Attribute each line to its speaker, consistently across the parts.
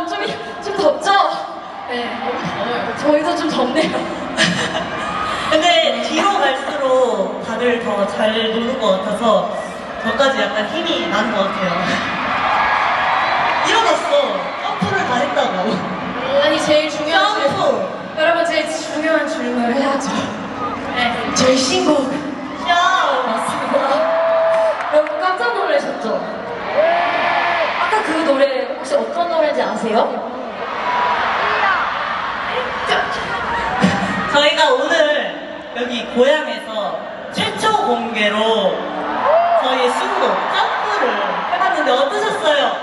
Speaker 1: 좀 덥죠? 네, 저희도 좀 덥네요.
Speaker 2: 근데 뒤로 갈수록 다들 더 잘 노는 것 같아서 저까지 약간 힘이 나는 것 같아요. 일어났어. 점프를 다 했다고.
Speaker 1: 아니, 제일 중요한 질문.
Speaker 2: 점프.
Speaker 1: 여러분, 제일 중요한 질문을 해야죠. 네, 저희 신곡.
Speaker 2: 야.
Speaker 1: 맞습니다. 여러분 깜짝 놀라셨죠? 아까 그 노래 혹시 어떤 노래인지 아세요?
Speaker 2: 저희가 오늘 여기 고향에서 최초 공개로 저희의 신곡 점프를 해봤는데 어떠셨어요?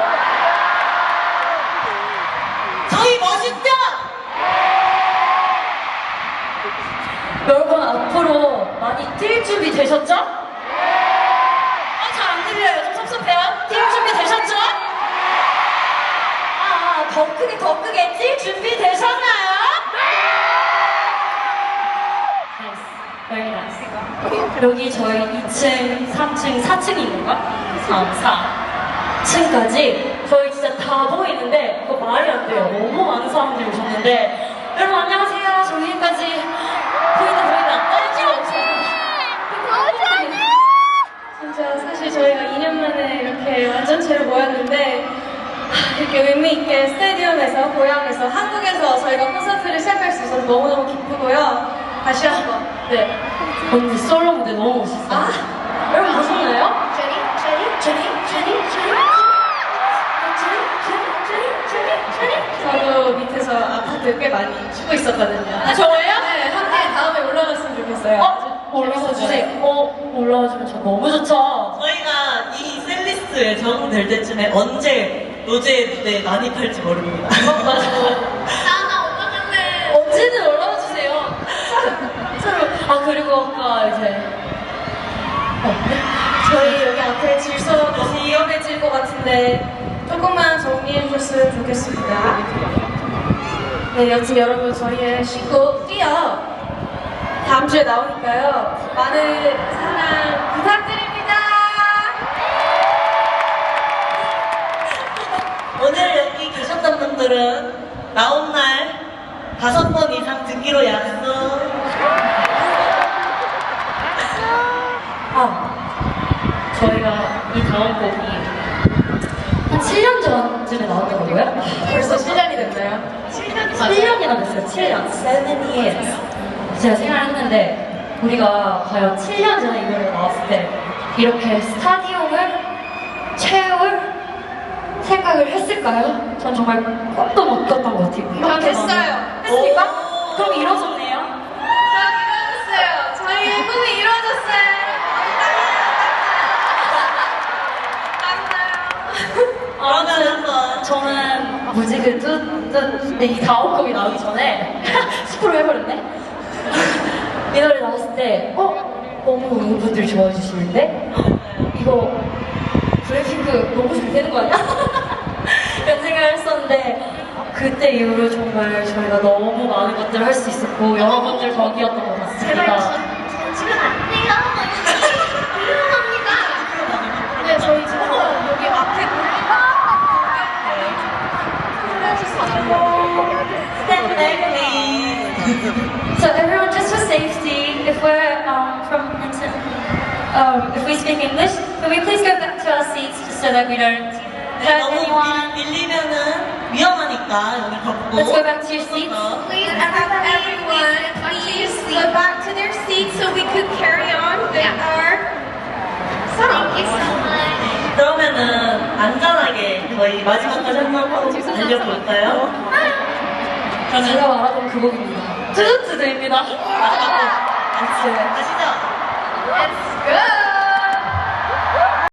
Speaker 2: 저희 멋있죠?
Speaker 1: 여러분 앞으로 많이 뛸 준비 되셨죠? 잘 안 들려요. 좀 섭섭해요. 뛸 준비 되셨죠? 더 크게 뛸 준비 되셨나요? Very nice. 여기 저희 2층, 3층, 4층이 있는가? 4층까지 저희 진짜 다 보이는데 그거 말이 안 돼요. 너무 많은 사람들이 오셨는데 여러분 안녕하세요. 저기까지 보인다. 진짜 사실 저희가 2년 만에 이렇게 완전체로 모였는데 이렇게 의미있게 스테디움에서, 고향에서, 한국에서 저희가 콘서트를 시작할 수 있어서 너무너무 기쁘고요. 다시 한번. 네. 언니 솔로 무대 너무 멋있어요. 여러분 보셨나요? 저도 밑에서 아파트 꽤 많이 쉬고 있었거든요. 아, 정말요? 네, 함께 다음에 올라갔으면 좋겠어요. 올라와 주세요. 올라와주면 저 너무 좋죠?
Speaker 2: 저희가 이 셀리스트에 적응될 때쯤에 언제 노제 무대에 난입할지 모릅니다.
Speaker 1: 맞아. 나 올라갈래. 언제든 올라와 주세요. 서로. 그리고 아까 이제 저희 여기 앞에 질서가 너무 위험해질 것 같은데 조금만 정리해 줬으면 좋겠습니다. 네, 여튼 여러분 저희의 신곡 뛰어 다음 주에 나오니까요. 많은 사랑 부탁드립니다.
Speaker 2: 오늘 여기 계셨던 분들은 나온 날 5번 이상 듣기로 약속.
Speaker 1: 저희가 이 다음 곡이 한 7년 전쯤에 나왔던 거고요. 벌써 7년이 됐나요? 7년이나 됐어요. 7년. 7 years. 제가 생각을 했는데 우리가 과연 7년 전에 이 노래가 나왔을 때 이렇게 스타디움을 채울 생각을 했을까요? 전 정말 꿈도 못 꿨던 것 같아요.
Speaker 3: 전 됐어요.
Speaker 1: 했습니까?
Speaker 2: 오.
Speaker 1: 그럼 이뤄졌네요.
Speaker 3: 전 이루어졌어요. 저희의 꿈이 이루어졌어요.
Speaker 2: 그러면 한번
Speaker 1: 저는 뭐지 이 다음 곡이 나오기 전에 10% 해버렸네. 이 노래 나왔을 때 너무 많은 분들이 좋아해 주시는데 이거 블랙핑크 너무 잘 되는 거 아니야? 이런 생각을 했었는데 그때 이후로 정말 저희가 너무 많은 것들을 할 수 있었고 여러분들 덕이었던 것 같습니다.
Speaker 3: 지금 안 돼요. 위험합니다. 네, 저희 지금 여기 앞에
Speaker 2: Step back, please.
Speaker 1: So everyone, just for safety, if we're if we speak English, can we please go back to our seats just so that we don't hurt
Speaker 2: 너무
Speaker 1: anyone?
Speaker 2: 밀리면은 위험하니까 여기 걷고.
Speaker 1: Let's go back to your seats.
Speaker 3: Please, everyone, please go back to their seats so we could carry on with our song. Thank you so much.
Speaker 2: 그러면은 안전하게 저희 마지막까지 한번 달려볼까요?
Speaker 1: 제가 말하던 그 곡입니다. 뚜두뚜두입니다.
Speaker 2: 마지막 곡.
Speaker 1: Let's do it.
Speaker 2: 가시죠.
Speaker 3: Let's go.